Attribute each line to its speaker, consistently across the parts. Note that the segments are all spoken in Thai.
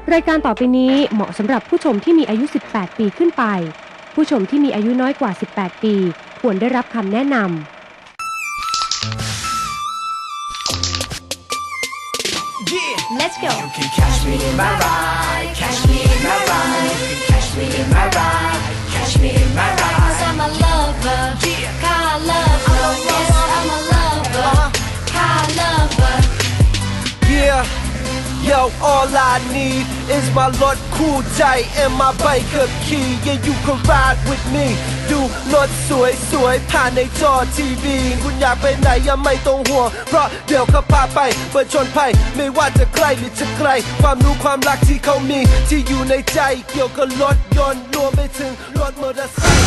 Speaker 1: รายการต่อไปนี้เหมาะสำหรับผู้ชมที่มีอายุ 18 ปีขึ้นไป ผู้ชมที่มีอายุน้อยกว่า 18 ปีควรได้รับคำแนะนำ
Speaker 2: Let's go. You can catch me in my ride, catch me in my ride. You can catch me in my ride, catch me in my ride. 'Cause I'm a lover, car lover. Yes, I'm a lover, car lover.
Speaker 3: Yeah, yo, all I need is my Lord Cool J and my bike up key. Yeah, you can ride with me. ดูรถสวยๆผ่านในจอทีวีคุณอยากไปไหนยังไม่ต้องห่วงเพราะเดี๋ยวเขาพาไปเปิดชนภัยไม่ว่าจะใกล้หรือจะไกลความรู้ความรักที่เขามีที่อยู่ในใจเกี่ยวกับรถยนต์รวมไปถึงรถมอเตอร์ไซค์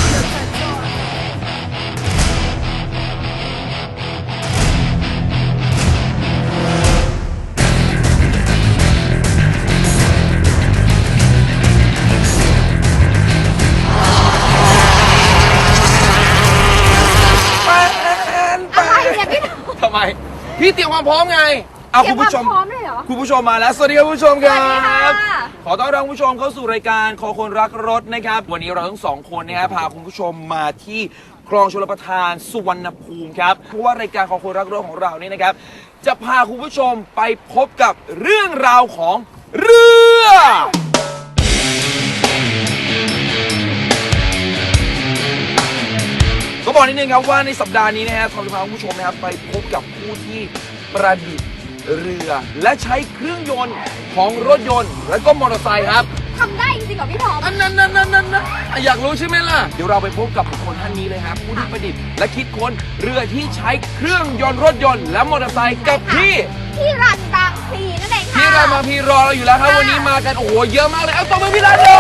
Speaker 4: ทำไมพี่เตรียมความพร้อมไงเอาคุณผู้ชม
Speaker 2: พร้อมเลยเหรอ
Speaker 4: คุณผู้ชมมาแล้วสวัสดีครับคุณผู้ชมครับ
Speaker 2: สวัสดีค่ะ
Speaker 4: ขอต้อนรับคุณผู้ชมเข้าสู่รายการคอคนรักรถนะครับวันนี้เราทั้งสองคนนะครับพาคุณผู้ชมมาที่คลองชลประทานสุวรรณภูมิครับเพราะว่ารายการคอคนรักรถของเรานี่นะครับจะพาคุณผู้ชมไปพบกับเรื่องราวของเรือก็บอกนิดนึงครับว่าในสัปดาห์นี้นะครับเราจะพาคุณผู้ชมนะครับไปพบกับผู้ที่ประดิษฐ์เรือและใช้เครื่องยนต์ของรถยนต์และก็มอเตอร์ไซค์ครับ
Speaker 2: ทำได้จริงๆเหรอพี่ทอม
Speaker 4: อันนั้นอยากรู้ใช่ไหมล่ะเดี๋ยวเราไปพบกับบุคคลท่านนี้เลยครับผู้ที่ประดิษฐ์และคิดค้นเรือที่ใช้เครื่องยนต์รถยนต์และมอเตอร์ไซค์กับพี่
Speaker 2: รันบางพลีนั่นเองค่ะ
Speaker 4: พี่รามาพี่รอเราอยู่แล้วครับวันนี้มากันโอ้โหเยอะมากเลยเอาตัวไปพี่รันเลย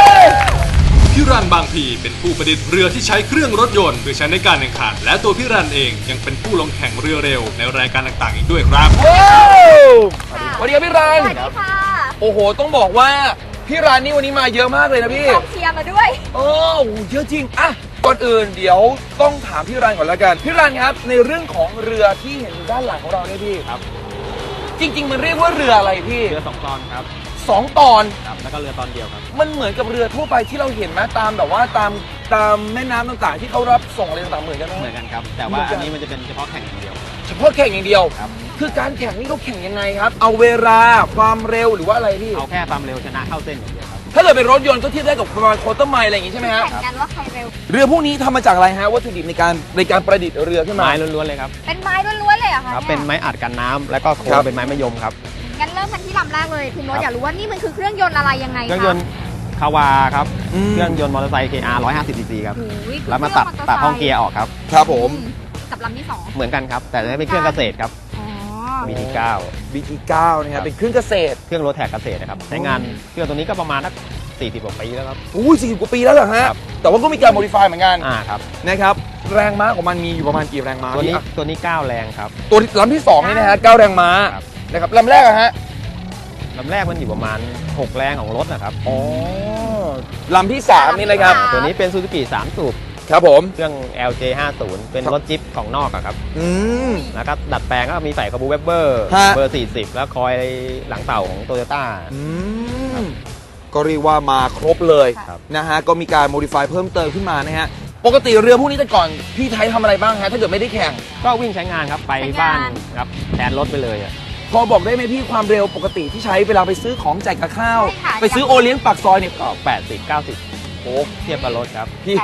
Speaker 5: พี่รันบางพีเป็นผู้ประดิษฐ์เรือที่ใช้เครื่องรถยนต์เพื่อใช้ในการแข่งขันและตัวพี่รันเองยังเป็นผู้ลงแข่งเรือเร็วในรายการต่างๆอีกด้วยครับ
Speaker 4: ว้าวสวัสดีครับพี่รัน
Speaker 2: สวัสดีค่ะ
Speaker 4: โอ้โหต้องบอกว่าพี่รันนี่วันนี้มาเยอะมากเลยนะพี่
Speaker 2: กองเชียร์มาด้วย
Speaker 4: โอ้โหเยอะจริงอะก่อนอื่นเดี๋ยวต้องถามพี่รันก่อนละกันพี่รันครับในเรื่องของเรือที่เห็นอยู่ด้านหลังของเราเนี่ยพี่
Speaker 6: ครับ
Speaker 4: จริงๆมันเรียกว่าเรืออะไรพี่
Speaker 6: เรือ2 ตอนครับ
Speaker 4: 2 ตอน
Speaker 6: ครับแล้วก็เรือตอนเดียวครับ
Speaker 4: มันเหมือนกับเรือทั่วไปที่เราเห็นไหมตามแบบว่าตามแม่น้ำต่างๆ ที่เขารับส่งอะไรต่างๆเหมือนกันไหม
Speaker 6: เหมือนกันครับ แต่ว่าอันนี้มันจะเป็นเฉพาะแข่งอย่างเดียว
Speaker 4: เฉพาะแข่งอย่างเดียว
Speaker 6: ครับ
Speaker 4: คือการแข่งนี่เขาแข่งยังไงครับ เอาเวลาความเร็วหรือว่าอะไรพี่
Speaker 6: เอาแค่ความเร็วชนะเข้าเส้นอย่างเดียวครับ
Speaker 4: ถ้าเกิดเป็นรถยนต์ก็เทียบได้กับประมาณโควอเตอร์ไมล์อะไรอย่างงี้ใช่ไหมฮะ
Speaker 2: แข่งกันว่าใครเร็ว
Speaker 4: เรือพวกนี้ทำมาจากอะไรฮะวัตถุดิบในการประดิษฐ์เรือขึ้นมา
Speaker 6: ไม้ล้วนๆเลยครับ
Speaker 2: เป็นไม้ล้วนๆเลยเหรอคะ
Speaker 6: ครับ เป็นไม้อัดกันน้ำแล้วก็โคร
Speaker 4: ครั
Speaker 6: ง
Speaker 4: บ
Speaker 6: เป็นไม้มะยมครับ
Speaker 2: งั้นเริ่มกันที่ลำแรกเลยคุณโน้ตอยากรู้ว่านี่มันคือเครื่องยนต์อะไรยังไง
Speaker 6: เครื่องยนต์คาวาครับ
Speaker 4: อืม
Speaker 6: เครื่องยนต์มอเตอร์ไซค์ KR 150 cc ครับ
Speaker 2: โอ้ย
Speaker 6: แล้วมาตัดห้องเกียร์ออกครับ
Speaker 4: ครับผม
Speaker 2: กับลำที่สอง
Speaker 6: เหมือนกันครับ แต่จะเป็นเครื่องเกษตรครับ
Speaker 2: อ๋อ
Speaker 6: BT9
Speaker 4: BT9 นะครับเป็นเครื่องเกษตร
Speaker 6: เครื่องรถแท็กเกษตรนะครับ ใช้งานเครื่องตัวนี้ก็ประมาณสัก40 กว่าปีแล้วครับ
Speaker 4: อู้40 กว่าปีแล้วเหรอฮะ
Speaker 6: ครับ
Speaker 4: แต่ว่าก็มีการโมดิฟายเหมือนกัน
Speaker 6: ครับ
Speaker 4: นะครับแรงม้าของมันมีอยู่ประมาณกี่แรงม้า
Speaker 6: ตัวนี้
Speaker 4: พี่อ่ะ
Speaker 6: ตัวนี้ 9 แรงครับ
Speaker 4: ตัวลำที่2นี่นะฮะ9 แรงม้า
Speaker 6: ครับ
Speaker 4: นะครับลำแรกอะฮะ
Speaker 6: ลำแรกมันอยู่ประมาณ 6 แรงของรถนะครับ
Speaker 4: อ๋อลำที่3นี่นะครับ
Speaker 6: ตัวนี้เป็นซูซูกิ3 สูบ
Speaker 4: ครับผม
Speaker 6: เครื่อง LJ 50เป็นรถจิ๊ปของนอกอะครับ
Speaker 4: อืม
Speaker 6: แล้วก็ดัดแปลงก็มีใส่คาบูเวบเบอร์
Speaker 4: ฮะ
Speaker 6: เบอร์ 40 แล้วคอยหลังเต่าของโตโยต้า
Speaker 4: อืมก็เรียกว่ามาครบเลย
Speaker 6: ครับ
Speaker 4: นะฮะก็มีการโมดิฟายเพิ่มเติมขึ้นมานะฮะปกติเรือพวกนี้แต่ก่อนพี่ไทยทำอะไรบ้างฮะถ้าเกิดไม่ได้แข่ง
Speaker 6: ก็วิ่งใช้งานครับ ไปบ้านครับแทนรถไปเลยอะ
Speaker 4: พอบอกได้ไหมพี่ความเร็วปกติที่ใช้เวลาไปซื้อของจ่ายกับข้าว
Speaker 2: ใช่ค่ะ
Speaker 4: ไปซื้อโอเลี้ยงปากซอยเนี่ย
Speaker 6: ก็ 80 90
Speaker 4: โอ้
Speaker 6: เทียบกับรถครับ
Speaker 4: พี่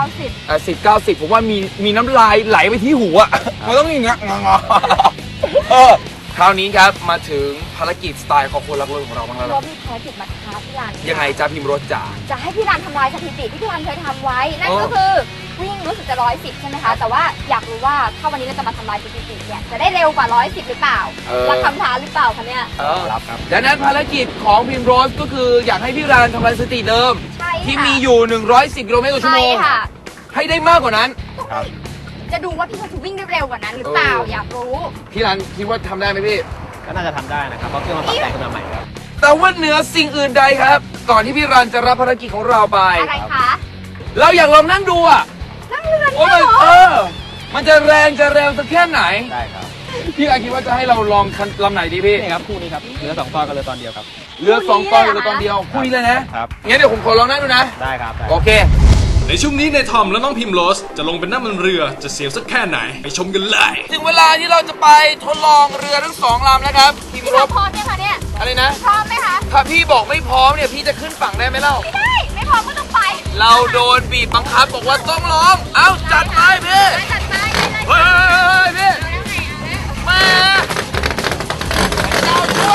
Speaker 2: 80 90
Speaker 4: 10 90ผมว่ามีน้ำลายไหลไปที่หูอ่ะมันต้องอย่างเงี้ยงอคราวนี้ครับมาถึงภารกิจสไตล์ของคนรักรถของเราบ้างแล้ว
Speaker 2: รถมีภารกิจมาท้าพี่รัน
Speaker 4: ยังไงจ้าพิมพ์รถจ๋า
Speaker 2: จะให้พี่รันทำลายสถิติที่พี่รันเคยทำไว้ นั่นก็คือวิ่งรู้สึกจะ110ใช่ไหมคะ แต่ว่าอยากรู้ว่าถ้าวันนี้เราจะมาทำลายสถิติเนี่ยจะได้เร็วกว่า110หรือเปล่ารับคำท้าหรือเปล่าคะเนี่ย
Speaker 6: รับครับ
Speaker 4: ดังนั้นภารกิจของพิมพ์รถก็คืออยากให้พี่รานทำลายสถิติเดิม
Speaker 2: ใช่ค่ะ
Speaker 4: ที่มีอยู่ 110 กิโลเมตรต่อชั่ว
Speaker 2: ใช่
Speaker 4: โมง
Speaker 2: ค่ะ
Speaker 4: ให้ได้มากกว่านั้น
Speaker 6: ครับ
Speaker 2: จะดูว่าพี่รันจะวิ่งได้เร็วกว่านั้นหรือเปล่า อยากรู้
Speaker 4: พี่รานคิดว่าทำได้ไหมพี่
Speaker 6: ก็น่าจะทำได้นะครับ เพราะเครื่องมันปรับแต่งขึ้นมาใหม่ครับ
Speaker 4: แต่ว่าเหนือสิ่งอื่นใดครับ ก่อนที่พี่รันจะรับภารกิจของเราไป
Speaker 2: อะไรคะ
Speaker 4: เราอยากลองนั่งดูอ่ะ
Speaker 2: นั่งเรือ
Speaker 4: โอ้
Speaker 2: เนี่ย
Speaker 4: ย
Speaker 2: เหรอ
Speaker 4: มันจะแรงจะเร็วสักแค่ไหน
Speaker 6: ได้ครับ
Speaker 4: พี่รานคิดว่าจะให้เราลองคันลำไหนดีพี่
Speaker 6: นี่ครับคู่นี้ครับเรือ2 ตอนกับเรือตอนเดียวครับ
Speaker 4: เรือ2 ตอนเรือตอนเดียวคุยเลยนะครับ งั้นเดี๋ยวผมขอลองนั่งดูนะ
Speaker 6: ได้ครับได้
Speaker 4: โอเค
Speaker 5: ในช่วงนี้ในทอมและน้องพิมโรสจะลงเป็นนั่งบนเรือจะเสียวสักแค่ไหนไปชมกันเลย
Speaker 4: ถึงเวลาที่เราจะไปทดลองเรือทั้ง2 ลำแล้วครับพี่
Speaker 2: พี่
Speaker 4: ร
Speaker 2: เรา
Speaker 4: บ
Speaker 2: พร้อมไหมคะเนี่ย
Speaker 4: อะไรนะ
Speaker 2: พร้อมไหมคะ
Speaker 4: ถ้าพี่บอกไม่พร้อมเนี่ยพี่จะขึ้นฝั่งได้ไหมเล่า
Speaker 2: ไม่ได้ ไม่พร้อมก็ต้องไป
Speaker 4: เราโดนบีบบังคับบอกว่าต้องร้อง เอ้าจัดไปพี่
Speaker 2: จัดไปเลย
Speaker 4: เฮ้ยพี่
Speaker 2: แล้วไงอ่ะ
Speaker 4: มาเราช่วย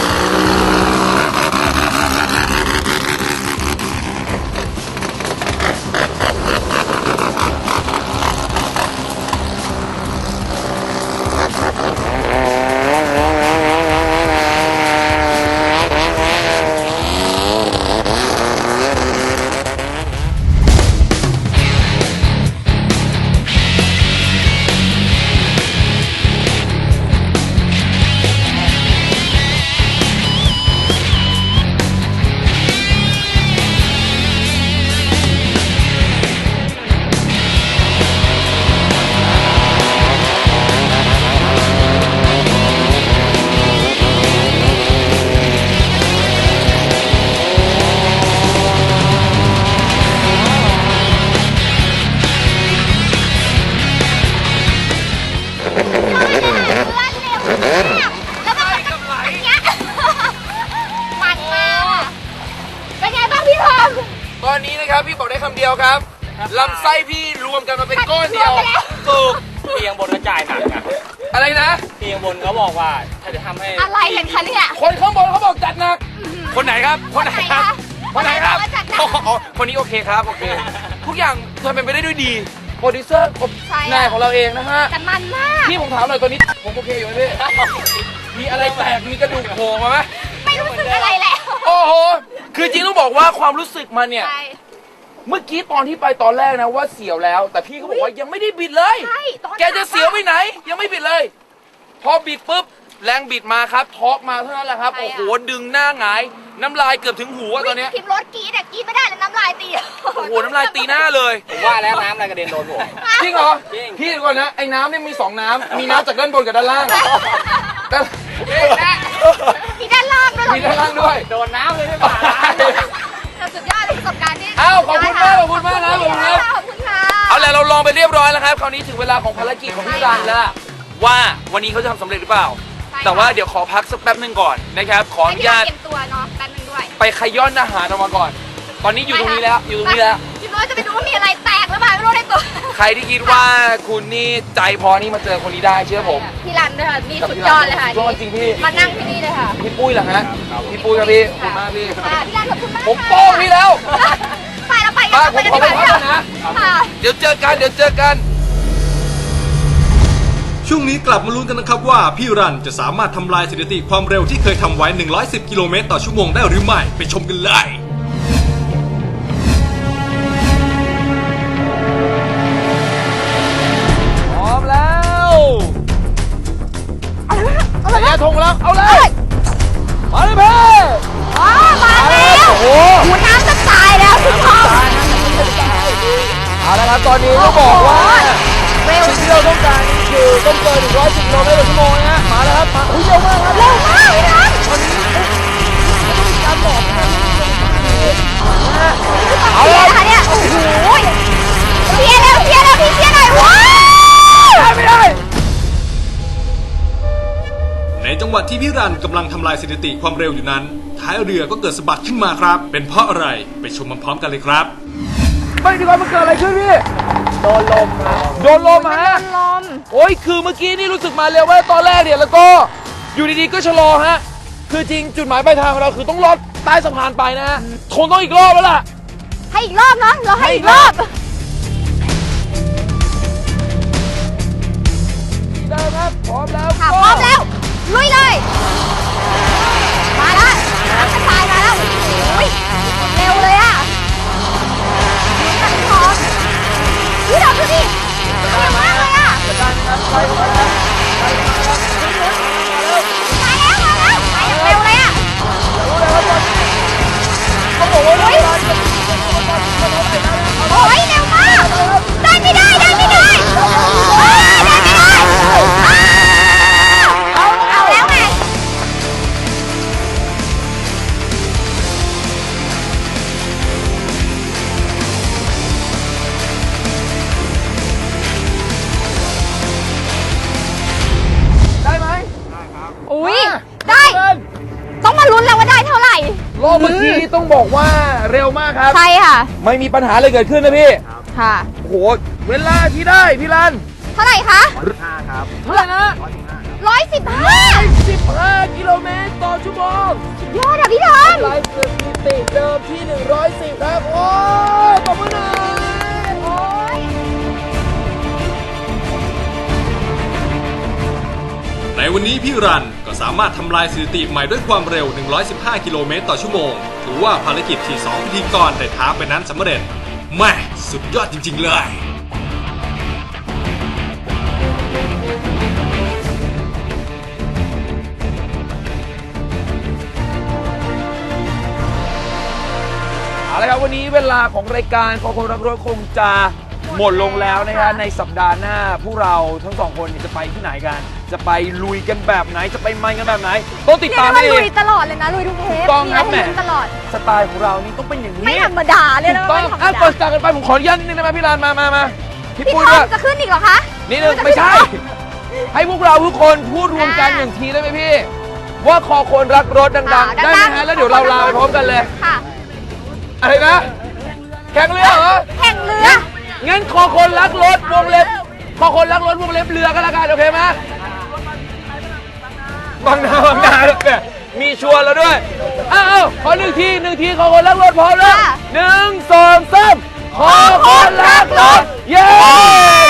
Speaker 2: แล้วก็มันก็อย่างเงี้ยมันมากเป็นไงบ้างพี่ทอม
Speaker 4: ตอนนี้นะครับพี่บอกได้คำเดียวครับลำไส้พี่รวมกันมาเป็นก้อนเดียว
Speaker 2: รวมไปแล้ว
Speaker 4: ถูก
Speaker 6: พี่ยังบนกระจายหนักอะ
Speaker 4: อะไรนะ
Speaker 6: พี่ยังบนเขาบอกว่าถ้าจะทำให้
Speaker 2: อะไรกันคะเนี่ย
Speaker 4: คนข้างบนเขาบอกจัดหนัก คนไหนครับ คนไหนครับ คนไหนครับ
Speaker 2: คนไหนบอกว่าจัดหนัก
Speaker 4: อ๋อคนนี้โอเคครับ โอเค ทุกอย่างทำเป็นไปได้ด้วยดี โปรดิวเซอร์
Speaker 2: ใช่ค่ะ
Speaker 4: นายของเราเองนะฮะ
Speaker 2: แต่มันมาก
Speaker 4: พี่ผมถามหน่อยตอนนี้ผมโอเคอยู่ไหมพี่ มีอะไรแตก มีกระดูกโผล่มาไหม
Speaker 2: ไม่รู้สึกอะไรแล้ว
Speaker 4: โอ้โห คือจริงต้องบอกว่าความรู้สึกมันเนี่ย
Speaker 2: ใช่
Speaker 4: เมื่อกี้ตอนที่ไปตอนแรกนะว่าเสียวแล้ว แต่พี่เขาบอกว่ายังไม่ได้บิดเลย
Speaker 2: ใช่ตอน
Speaker 4: แกจะเสียวไปไหน ยังไม่บิดเลย พอบิดปุ๊บแรงบิดมาครับทอร์กมาเท่านั้นแหละครับ โอ้โห ดึงหน้าหงาย น้ำลายเกือบถึงหูอะตอนเนี้ย
Speaker 2: พิมพ์รถกรีดอะกรีดไม่ได้เลยน้ำลายตี
Speaker 4: โอ้โห น้ำลายตีหน้าเลย
Speaker 6: ผมว่าแล้วน้ำอะไรกระเด็นโดนผม
Speaker 4: จริงเหรอ
Speaker 6: จริง
Speaker 4: พี่เดี๋ยวก่อนนะ ไอ้น้ำเนี่ยมี 2 น้ำ มีน้ำจากด้านบนกับด้านล่างแต่
Speaker 2: มีด้านล่างด้วยเหรอ
Speaker 4: มีด้านล่างด้วย
Speaker 6: โดนน้ำเลยไม่ผ่าน
Speaker 2: แต่สุดยอดประสบการณ์นี่
Speaker 4: อ้าวขอบคุณมากขอบคุณมากนะขอบคุณครับ
Speaker 2: ขอบคุณค่ะ
Speaker 4: เอาแหละเราลองไปเรียบร้อยแล้วครับ คราวนี้ถึงเวลาของภารกิจของพี่รันแล้วว่าวันนี้เขาจะทำสำเร็จหรือเปล่า แต่ว่าเดี๋ยวขอพักสักแป๊บหนึงก่อนนะครับ ขออ
Speaker 2: ให้
Speaker 4: นุ
Speaker 2: พี่
Speaker 4: ญาต
Speaker 2: เตรียมตัวเนาะแป๊บนึงด้วย
Speaker 4: ไปขย้อนอาหารออกมาก่อน ตอนนี้อยู่ตรงนี้แล้ว อยู่ตรงนี้แล้ว
Speaker 2: พี่น้อยจะไปดูว่ามีอะไรแตกหรือเปล่าไม่รู้ในตัว
Speaker 4: ใครที่คิดว่าคุณนี่ใจพอนี่มาเจอคนนี้ได้เชื่อผม
Speaker 2: พี่รันด้วยค่ะนี่สุดยอดเลยค่ะ
Speaker 4: ยอดจริงพี่
Speaker 2: มานั่งที่นี่เลยค่ะ
Speaker 4: พี่ปุ้ยเหรอฮะ พี่ปุ้ยครับพี่ขอบคุณมากพี่
Speaker 2: ค่ะพี่รันขอบคุณมาก
Speaker 4: ผมโป้งพี่แล้ว
Speaker 2: ไปแล้วไปกัน
Speaker 4: ผมขอไปพักก่อนนะ
Speaker 2: ค่ะ
Speaker 4: เดี๋ยวเจอกัน เดี๋ยวเจอกัน
Speaker 5: ช่วงนี้กลับมาลุ้นกันนะครับว่าพี่รันจะสามารถทำลายสถิติความเร็วที่เคยทำไว้ 110 กิโลเมตรต่อชั่วโมงได้หรือไม่ ไปชมกันเลย
Speaker 4: พร้อมแล้วระยะทงแล้ว เอาเลย มาเลยเพ่
Speaker 2: อ๋อมาแล้ว
Speaker 4: โอ้โห
Speaker 2: หัวน้ำจะตายแล้วคุณพ่อ
Speaker 4: เอาละครับตอนนี้ก็บอกว่า
Speaker 2: เร็ว
Speaker 4: สิ่งที่เราต้องการคือต้องเกิน110 กิโลเมตรต่อชั่วโมงนะฮะมาแล้วครับมาเร็วมากครับ
Speaker 2: เร็วมากพี่รัน
Speaker 4: เอาเลย
Speaker 2: ค่ะเนี่ยโอ้โหเชียร์เร็วเชียร์เร็วพี่เชียร์หน่อยว้าว
Speaker 4: ไม่ได้
Speaker 5: ในจังหวะที่พี่รันกำลังทำลายสถิติความเร็วอยู่นั้น ท้ายเรือก็เกิดสะบัดขึ้นมาครับ เป็นเพราะอะไรไปชมพร้อมๆกันเลยครับ
Speaker 4: ไม่ดีกว่ามันเกิดอะไรขึ้นพี่
Speaker 6: โดนลมครับ
Speaker 4: โดนลมฮะ
Speaker 2: ลม
Speaker 4: โอ้ยคือเมื่อกี้นี่รู้สึกมาเร็วว่าตอนแรกเนี่ยแล้วก็อยู่ดีๆก็ชะลอฮะ คือจริงจุดหมายปลายทางของเราคือต้องลอดใต้สะพานไปนะฮะคงต้องอีกรอบแล้วล่ะ
Speaker 2: ให้อีกรอบนะเราให้อีกรอบ
Speaker 4: เดิมครับพร้อมแล้ว
Speaker 2: ค่ะพร้อมแล้วลุยเลยมาแล้วน้ำกระชายมาแล้วโอ้ยเร็วเลยอ่ะตัดพร้อมพี่ดอกดูดิเร็วมากเลยอ่ะมาแล้วมาอย่างเร็วเลยอ่ะ
Speaker 4: ต้องบอกว่าเวลาจะ
Speaker 2: โอ้ยเร็วมากได้ไม่ได้ได้ไม่ได้ได้ไม่ได้เอาแล้วไง
Speaker 4: ก็เมื่อกี้ต้องบอกว่าเร็วมากครับ
Speaker 7: ใช่ค่ะ
Speaker 4: ไม่มีปัญหาเลยเกิดขึ้นนะพี่
Speaker 7: ค่ะ
Speaker 4: โอ้โหเวลาที่ได้พี่รัน
Speaker 7: เท่าไหร่คะ
Speaker 4: เท่าไหร่นะ
Speaker 7: 115
Speaker 4: 15 กิโลเมตรต่อชั่วโมง
Speaker 7: ยอดอะพี่ทอม
Speaker 4: ไลฟ์สถิติเดิมที่ 110 ครับ โอ้ยปรบมือหน่อยโอ้ย
Speaker 5: ในวันนี้พี่รันก็สามารถทำลายสถิติใหม่ด้วยความเร็ว 115 กิโลเมตรต่อชั่วโมง ถือว่าภารกิจที่2พิธีกรได้ท้าไปนั้นสำเร็จแม่สุดยอดจริงๆเลย
Speaker 4: เอาละครับวันนี้เวลาของรายการของคนรักรถคงจะหมดลงแล้วนะฮะในสัปดาห์หน้าพวกเราทั้งสองคนเนี่ยจะไปที่ไหนกัน จะไปลุยกันแบบไหนจะไปมันกันแบบไหนต้องติด
Speaker 7: เรียก
Speaker 4: ตาม
Speaker 7: ได้
Speaker 4: ให้
Speaker 7: ว่า
Speaker 4: ดี
Speaker 7: ลุยตลอดเลยนะลุยทุกเทป
Speaker 4: ถูกต้องครับ
Speaker 7: มีอะไรให้ลุ้น
Speaker 4: แหม
Speaker 7: ตลอด
Speaker 4: สไตล์ของเรานี่ต้องเป็นอย่างนี้
Speaker 7: ไม่ธรรมดาเลย
Speaker 4: ถู
Speaker 7: นะ
Speaker 4: กต้อง
Speaker 7: ไม่ธรรม
Speaker 4: อ่ะ
Speaker 7: ดา
Speaker 4: ก่อนจากกันไปผมขออนุญาตนิดนึงได้ไหมพี่ลานมาพี่
Speaker 7: พี่
Speaker 4: ปุ้ย
Speaker 7: ท
Speaker 4: ด้
Speaker 7: อ
Speaker 4: ว
Speaker 7: ม
Speaker 4: ย
Speaker 7: จะขึ้นอีกเหรอคะ
Speaker 4: นิดนึง
Speaker 7: จะ
Speaker 4: ไม่ใช่
Speaker 7: ขึ้นเหรอ
Speaker 4: ให้พวกเราทุกคนพูดรวมกันอย่างทีได้ไหมพี่ ว่าคอคนรักรถดังๆ ได้ไหมฮะแล้วเดี๋ยวเราลาไปพร้อมกันเลย
Speaker 7: ค่ะ
Speaker 4: อะไรนะ แข่งเรือเหรอ
Speaker 7: แข่งเรือ
Speaker 4: งั้นคอคนรักรถวงเล็บคอคนรักรถวงเล็บเรือก็แล้วกันโอเคไหมบางนาเนี่ยมีชวนแล้วด้วยอ้าวขอหนึ่งทีคอคนรักรถพร้อมแล้ว
Speaker 7: ค่ะ
Speaker 4: 1 2 3คอคนรักรถเย้